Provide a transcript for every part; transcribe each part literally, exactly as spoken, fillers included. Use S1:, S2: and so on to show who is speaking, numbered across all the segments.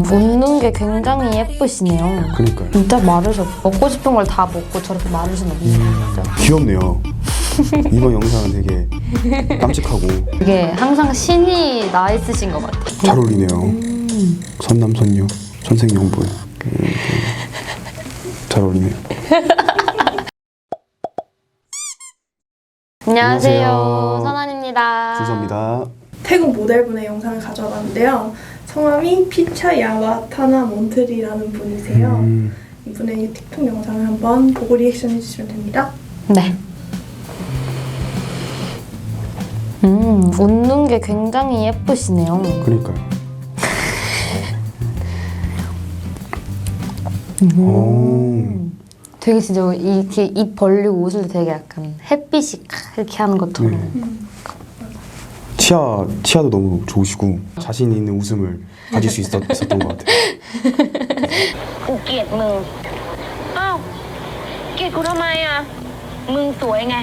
S1: 웃는 게 굉장히 예쁘시네요.
S2: 그러니까요.
S1: 진짜 마르셨. 먹고 싶은 걸 다 먹고 저렇게 마르신 없네요. 진짜.
S2: 귀엽네요. 이번 영상은 되게 깜찍하고
S1: 이게 항상 신이 나 있으신 것 같아요.
S2: 잘 어울리네요.
S1: 음.
S2: 선남선녀, 선생용분. 잘 어울리네요.
S1: 안녕하세요.
S2: 안녕하세요.
S1: 선한입니다.
S2: 준서입니다.
S3: 태국 모델분의 영상을 가져와 봤는데요. 성함이 피차야와 타나 몬트리라는 분이세요.
S2: 음,
S3: 이분의 틱톡 영상을 한번 보고 리액션 해주시면 됩니다.
S1: 네. 음, 웃는 게 굉장히 예쁘시네요.
S2: 그러니까요.
S1: 음.
S2: 오,
S1: 되게 진짜 이렇게 입 벌리고 웃을 때 되게 약간 햇빛이 이렇게 하는 것처럼.
S2: 네. 치아, 치아도 너무 좋으시고 자신 있는 웃음을 가질 수 있었, 있었던 것 같아요.
S4: กูเกลียดมึง อ้าว เกลียดกูทำไมอ่ะ มึงสวยไง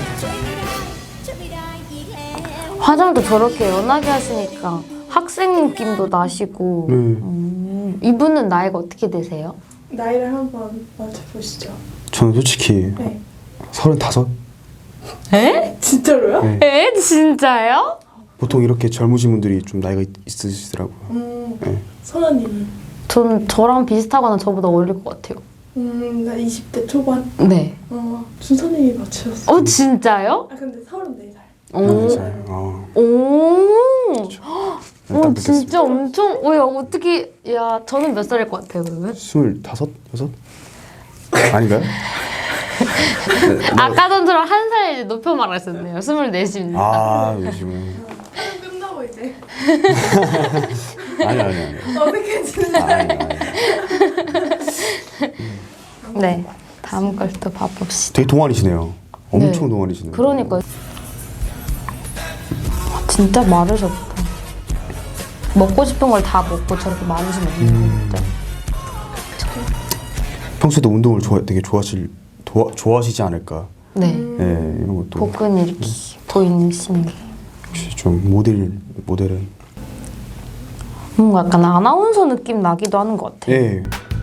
S1: 화장도 저렇게 연하게 하시니까 학생 느낌도 나시고.
S2: 네.
S1: 음, 이분은 나이가 어떻게 되세요?
S3: 나이를 한번 맞춰보시죠.
S2: 저는 솔직히
S3: 네.
S2: 서른다섯?
S1: 에?
S3: 진짜로요?
S2: 네.
S1: 에? 진짜요?
S2: 보통 이렇게 젊으신 분들이 좀 나이가 있, 있으시더라고요.
S3: 음,
S2: 네.
S3: 선아님은?
S1: 전 저랑 비슷하거나 저보다 어릴 것 같아요.
S3: 음, 나 이십 대 초반?
S1: 네.
S3: 어, 준서님이 맞추셨어요.
S1: 어, 진짜요?
S3: 아, 근데 서른네 살.
S1: 오.
S2: 살. 어,
S1: 오.
S2: 딱
S1: 오,
S2: 느꼈습니다.
S1: 진짜 엄청. 어, 야, 어떻게. 야, 저는 몇 살일 것 같아요, 그러면?
S2: 스물다섯? 여섯? 아닌가요?
S1: 아까 전처럼 한 살 높여 말했었네요. 스물넷입니다.
S2: 아, 요즘은
S3: 촬영 끝나고 이제
S2: 아니 아니 아니.
S3: 어색해지는
S2: 아니 아니.
S1: 네. 다음 걸 또 봐봅시다.
S2: 되게 동안이시네요. 엄청
S1: 네.
S2: 동안이시네요.
S1: 그러니까. 진짜 마르셨다. 먹고 싶은 걸 다 먹고 저렇게 마르시면
S2: 음.
S1: 진짜.
S2: 평소에도 운동을 좋아, 되게 좋아하실 도와, 좋아하시지 않을까.
S1: 네.
S2: 네, 이런 것도
S1: 복근 이렇게 보이시는 게.
S2: 역시 좀 모델 모델은
S1: 뭔가 약간 아나운서 느낌 나기도 하는 것 같아요.
S2: 예.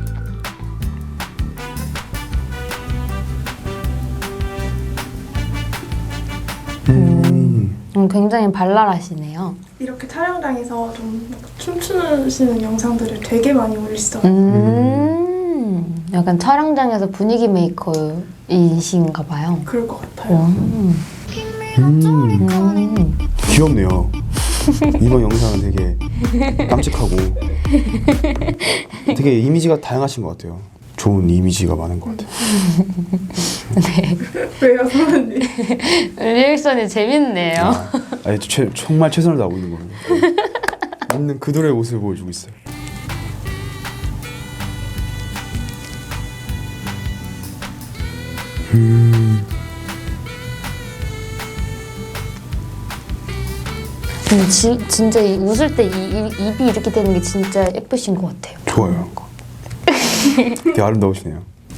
S2: 음.
S1: 음, 굉장히 발랄하시네요.
S3: 이렇게 촬영장에서 좀 춤추시는 영상들을 되게 많이 올리시더라고요.
S1: 음, 약간 촬영장에서 분위기 메이커이신가 봐요.
S3: 그럴 것 같아요.
S1: 음.
S2: 음.
S1: 음.
S2: 귀엽네요. 이번 영상은 되게 깜찍하고 되게 이미지가 다양하신 것 같아요. 좋은 이미지가 많은 것 같아요.
S3: 왜요, 선아님?
S1: 리액션이 재밌네요.
S2: 아, 아니, 최, 정말 최선을 다하고 있는 거예요. 있는 그들의 모습을 보여주고 있어요. 음.
S1: 근데 지, 진짜 이 웃을 때 이, 이, 입이 이렇게 되는 게 진짜 예쁘신 것 같아요.
S2: 좋아요. 되게 아름다우시네요.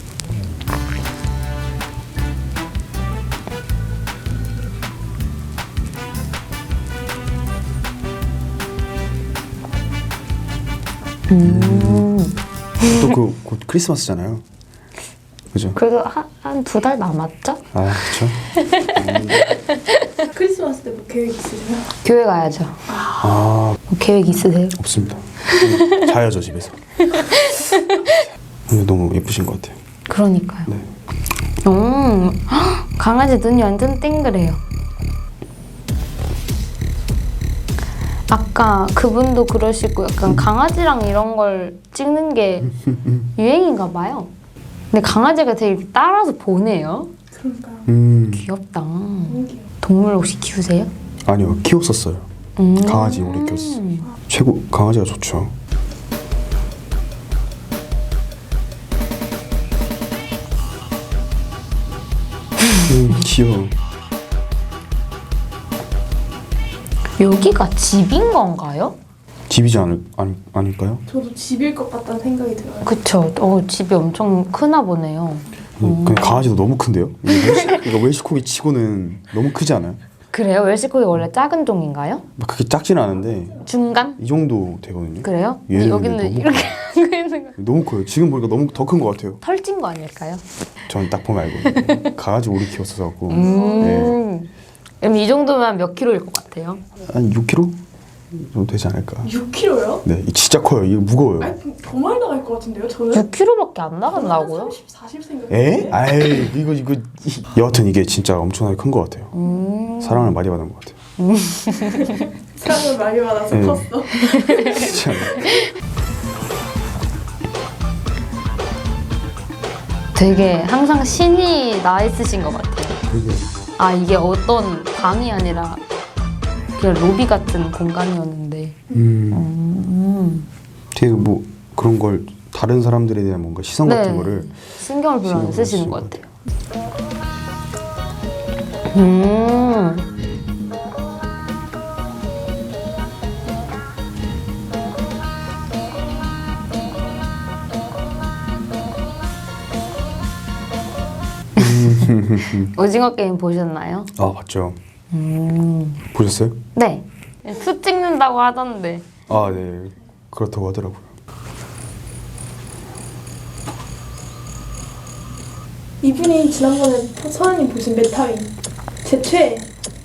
S1: 음.
S2: 또 그 곧 크리스마스잖아요. 그죠?
S1: 그래도 한 두 달 남았죠?
S2: 아, 그렇죠.
S3: 크리스마스 때 뭐 계획 있으세요?
S1: 교회 가야죠.
S2: 아,
S1: 뭐 계획 있으세요?
S2: 없습니다. 자야죠, 집에서. 근데 너무 예쁘신 것 같아요.
S1: 그러니까요.
S2: 네.
S1: 음, 헉, 강아지 눈이 완전 땡그래요. 아까 그분도 그러시고 약간 강아지랑 이런 걸 찍는 게 유행인가 봐요. 근데 강아지가 되게 따라서 보네요.
S3: 그러니까요.
S2: 음,
S1: 귀엽다.
S3: 너무 귀여워.
S1: 동물 혹시 키우세요?
S2: 아니요, 키웠었어요.
S1: 음.
S2: 강아지 오래 키웠어요. 최고, 강아지가 좋죠. 음, 귀여워.
S1: 여기가 집인 건가요?
S2: 집이지 않을, 아니, 아닐까요?
S3: 저도 집일 것 같다는 생각이 들어요.
S1: 그쵸. 어, 집이 엄청 크나 보네요.
S2: 음, 근데 강아지도 너무 큰데요? 이게 웰시, 그러니까 웰시코기 치고는 너무 크지 않아요?
S1: 그래요? 웰시코기 원래 작은 종인가요?
S2: 막 그렇게 작지는 않은데
S1: 중간?
S2: 이 정도 되거든요.
S1: 그래요?
S2: 얘는
S1: 여기는
S2: 너무
S1: 이렇게 하고 있는 거.
S2: 너무 커요. 지금 보니까 너무 더 큰 것 같아요.
S1: 털찐 거 아닐까요?
S2: 전 딱 보면 알고 강아지 오래 키웠어서 갖고
S1: 음.
S2: 네.
S1: 그럼 이 정도면 몇 킬로일 것 같아요?
S2: 한 육 킬로그램 정도 되지 않을까.
S3: 육 킬로그램요?
S2: 네, 이 진짜 커요. 이거 무거워요.
S3: 아니 더 많이 나갈 것 같은데요? 저는
S1: 육 킬로그램밖에 안 나간다고요?
S3: 삼십, 사십 생각했는데.
S2: 에? 아이 이거 이거 이- 여하튼 이게 진짜 엄청나게 큰 것 같아요.
S1: 음.
S2: 사랑을 많이 받은 것 같아요.
S3: 사랑을 많이 받아서
S2: 네.
S3: 컸어.
S2: 진짜.
S1: 되게 항상 신이 나 있으신 것 같아요.
S2: 되게
S1: 아 이게 어떤 방이 아니라 그냥 로비 같은 공간이었는데.
S2: 음,
S1: 음.
S2: 되게 뭐 그런 걸 다른 사람들에 대한 뭔가 시선
S1: 네.
S2: 같은 거를
S1: 신경을 별로 안
S2: 신경을
S1: 쓰시는
S2: 쓰시는
S1: 것
S2: 것
S1: 같아요. 음. 오징어 게임 보셨나요?
S2: 아 봤죠.
S1: 음.
S2: 보셨어요?
S1: 네. 수 찍는다고 하던데.
S2: 아 네, 그렇다고 하더라고요.
S3: 이분이 지난번에 서현님 보신 메타윈 제 최애.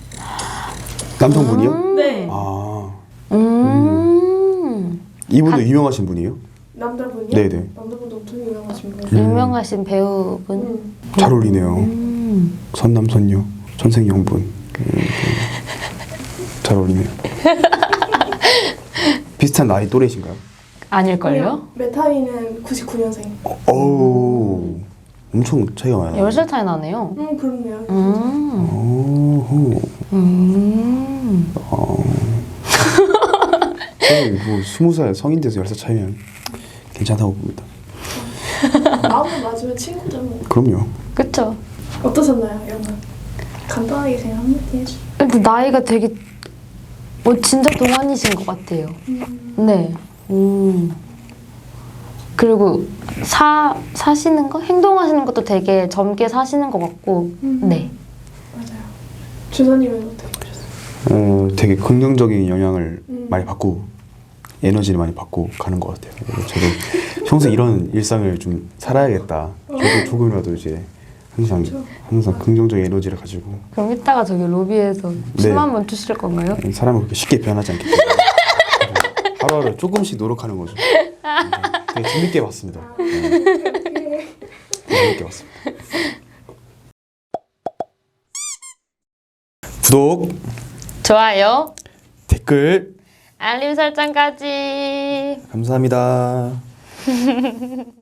S2: 남성분이요?
S3: 네.
S2: 아
S1: 음.
S2: 이분도
S1: 가-
S2: 유명하신 분이에요?
S3: 남자분이요?
S2: 네네.
S3: 남자분도 엄청 유명하신 분.
S2: 음.
S1: 유명하신 배우분.
S3: 음.
S2: 잘 어울리네요.
S1: 음.
S2: 선남선녀, 천생연분. 음, 잘 어울리네요. 비슷한 나이 또래신가요?
S1: 아닐걸요?
S3: 메타윈은 구십구 년생.
S2: 어우, 엄청 차이가 많아요.
S1: 열 살 차이 나네요.
S3: 음 그렇네요.
S1: 음.
S2: 오호.
S1: 음.
S2: 어. 저는 뭐 스무 살 성인 돼서 열 살 차이면 괜찮다고 봅니다.
S3: 마음을 맞으면 친구죠. 뭐.
S2: 그럼요.
S1: 그쵸.
S3: 어떠셨나요, 영화? 간단하게 그냥 한마디 해주.
S1: 근데 나이가 되게 뭐 진짜 동안이신 것 같아요.
S3: 음.
S1: 네. 음. 그리고 사 사시는 거, 행동하시는 것도 되게 젊게 사시는 것 같고.
S3: 음.
S1: 네.
S3: 맞아요. 주사님은 어떻게 보셨어요?
S2: 어, 되게 긍정적인 영향을
S3: 음.
S2: 많이 받고 에너지를 많이 받고 가는 것 같아요. 그래서 저도 평생 이런 일상을 좀 살아야겠다. 저도 조금이라도 이제 항상
S3: 그렇죠.
S2: 항상 긍정적인 에너지를 가지고
S1: 그럼 이따가 저기 로비에서
S2: 네.
S1: 춤 한번 추실 건가요?
S2: 사람은 그렇게 쉽게 변하지 않기 때문에 하루하루 조금씩 노력하는 거죠. 네, 되게 재밌게 봤습니다. 네. 되게 재밌게 봤습니다. 구독,
S1: 좋아요.
S2: 댓글
S1: 알림 설정까지.
S2: 감사합니다.